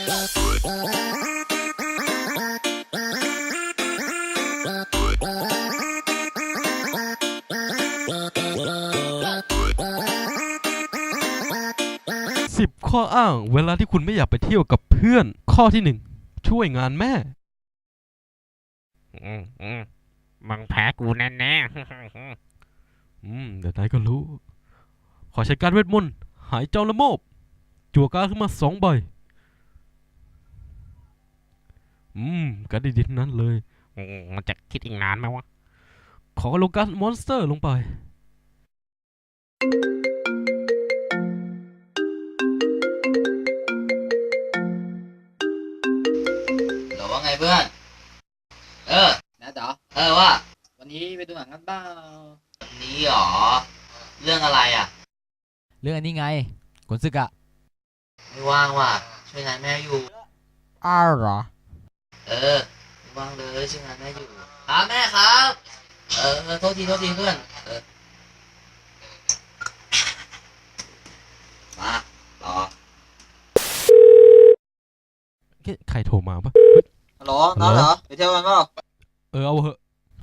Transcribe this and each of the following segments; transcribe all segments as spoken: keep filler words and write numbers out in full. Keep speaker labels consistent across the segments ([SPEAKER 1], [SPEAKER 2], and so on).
[SPEAKER 1] สิบข้ออ้างเวลาที่คุณไม่อยากไปเที่ยวกับเพื่อนข้อที่หนึ่งช่วยงานแม่
[SPEAKER 2] อืมอืมมึงแพ้กูแน่แน่
[SPEAKER 1] อืมเดี๋ยวนายก็รู้ ขอใช้การเวทมนต์หายจอมละโมบจั่วการ์ดขึ้นมาสองใบอืมการ์ดดีๆทั้งนั้นเลย
[SPEAKER 2] มันจะคิดอีกนานไหมวะ
[SPEAKER 1] ขอลงการ์ดมอนสเตอร์ลงไป
[SPEAKER 3] หรือว่าไงเพื่อน เออ
[SPEAKER 4] นะเด๋อ
[SPEAKER 3] เออว่า
[SPEAKER 4] วันนี้ไปดูหนังกันเปล่า
[SPEAKER 3] วันนี้หรอ เรื่องอะไรอ่ะ
[SPEAKER 4] เรื่องอันนี้ไงขนศึกอะ
[SPEAKER 3] ไม่ว่างว่ะ ช่วยงานแม่อยู่
[SPEAKER 4] อ้าวเหรอ
[SPEAKER 3] เออ ไม่ว่างเลยช่วยงานแม่อยู่ครับแม่ครับ เออเออโทษทีโทษทีเพื่อน เออ มาต่อ
[SPEAKER 1] ใครโทรมาปะ
[SPEAKER 5] ฮัลโหลน้องเหรอไปเที่ยวกันเปล่า
[SPEAKER 1] เออเอาเหอะ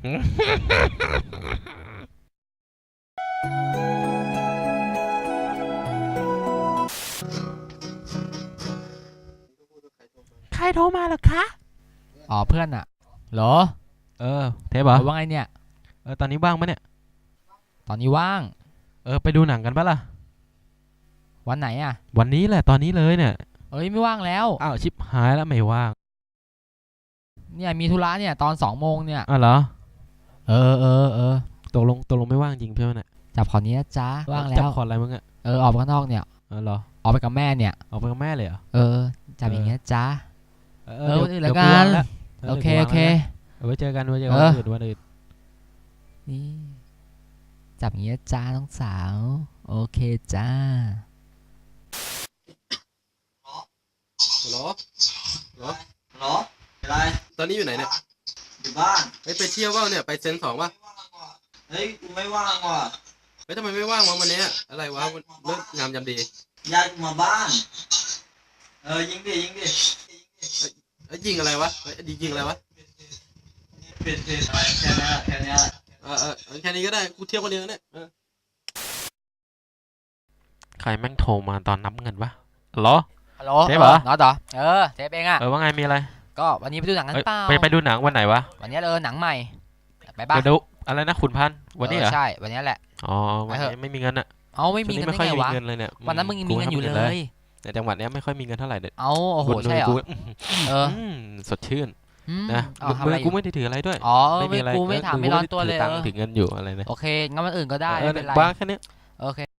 [SPEAKER 1] ใครโทรมาหรอคะ
[SPEAKER 4] อ๋อเพื่อนอะเหรอ
[SPEAKER 1] เออเทปเหรอ
[SPEAKER 4] ว่าไงเนี่ย
[SPEAKER 1] เออตอนนี้ว่างปะเนี่ย
[SPEAKER 4] ตอนนี้ว่าง
[SPEAKER 1] เออไปดูหนังกันปะล่ะ
[SPEAKER 4] วันไหนอะ
[SPEAKER 1] วันนี้แหละตอนนี้เลยเนี่ย
[SPEAKER 4] เอ้ยไม่ว่างแล้ว
[SPEAKER 1] อ้าวชิบหายแล้วไม่ว่าง
[SPEAKER 4] เนี่ยมีธุระเนี่ยตอนสองโมงเนี่ย
[SPEAKER 1] อ้าวเหรอ
[SPEAKER 4] เออเออเออ
[SPEAKER 1] ตกลงตกลงไม่ว่างจริงเพื่อนเนี่ย
[SPEAKER 4] จับขอนี้นะจ๊ะว่างแล้ว
[SPEAKER 1] จับขออะไรมึงอะ
[SPEAKER 4] เออออกไปข้างนอกเนี่ย
[SPEAKER 1] เออเหรอ
[SPEAKER 4] ออกไปกับแม่เนี่ย
[SPEAKER 1] ออกไปกับแม่เลยเหรอ
[SPEAKER 4] เออจับอย่างเงี้ยจ๊ะ
[SPEAKER 1] เออ
[SPEAKER 4] เออวันอื่นละกั
[SPEAKER 1] เดี๋ยวกูว่าง
[SPEAKER 4] น
[SPEAKER 1] แล้ว
[SPEAKER 4] โอเคโอเค
[SPEAKER 1] เอาไว้เจอกันไว้เจอกันวันอื่นวันอื่น
[SPEAKER 4] นี่จับอย่างเงี้ยจ้าน้องสาวโอเคจ้า
[SPEAKER 1] ฮัลโหลฮัลโหล
[SPEAKER 5] ฮัลโหลอะไร
[SPEAKER 1] ตอนนี้อยู่ไหนเนี่ย
[SPEAKER 5] อยู่บ้าน
[SPEAKER 1] ไปไปเที่ยวบ้างเนี่ยไปเซนสองป่ะ
[SPEAKER 5] เฮ้ยกูไม่ว่างว่ะ
[SPEAKER 1] เฮ้ยทำไมไม่ว่างวะวันนี้อะไรวะเลิกงามยามดี
[SPEAKER 5] ญาติกูมาบ้านเออยิงดิยิงดิ
[SPEAKER 1] เอ้ยยิงอะไรวะเฮ้ยดียิงอะไรวะ
[SPEAKER 5] เปลี่ยนเปลี่ยนอะไรแค่นี้แค่นี้
[SPEAKER 1] เออเออแค่นี้ก็ได้กูเที่ยวคนเดียวเนี่ยใครแม่งโทรมาตอนนับเงินวะฮัลโหล
[SPEAKER 4] ฮัลโหล
[SPEAKER 1] เทปเหรอ
[SPEAKER 4] น็อตเหรอเออเทปเองอะ
[SPEAKER 1] เออว่าไงมีอะไร
[SPEAKER 4] ก็วันนี้ไปดูหนังกันเปล่า
[SPEAKER 1] ไปไปดูหนังวันไหนวะ
[SPEAKER 4] วันนี้เออหนังใหม่ไปบ้าง
[SPEAKER 1] ดูอะไรนะขุนพันวันนี้เหรอ
[SPEAKER 4] ใช่วันนี้แหละ
[SPEAKER 1] อ๋อวันนี้ไม่มีเงินอะ
[SPEAKER 4] เอาไม่มีเงินได้ไงวะวันนั้นมึงยังมีเงินอยู่เลย
[SPEAKER 1] แต่จังหวัดนี้ไม่ค่อยมีเงินเท่าไหร่เด็ด
[SPEAKER 4] เอาโอ้โหใช่เหรอเออ
[SPEAKER 1] สดชื่นนะ
[SPEAKER 4] มือ
[SPEAKER 1] กูไม่ได้ถืออะไรด้วย
[SPEAKER 4] อ๋อไม่มีอะไรกูไม่ถามไม่ร้อนตัวเลย
[SPEAKER 1] ตังค์ถือเงินอยู่อะไรเนี่ย
[SPEAKER 4] โอเคงั้นวันอื่นก็ได้
[SPEAKER 1] ไม่เป็นไรบ้าแค่นี้
[SPEAKER 4] โอเค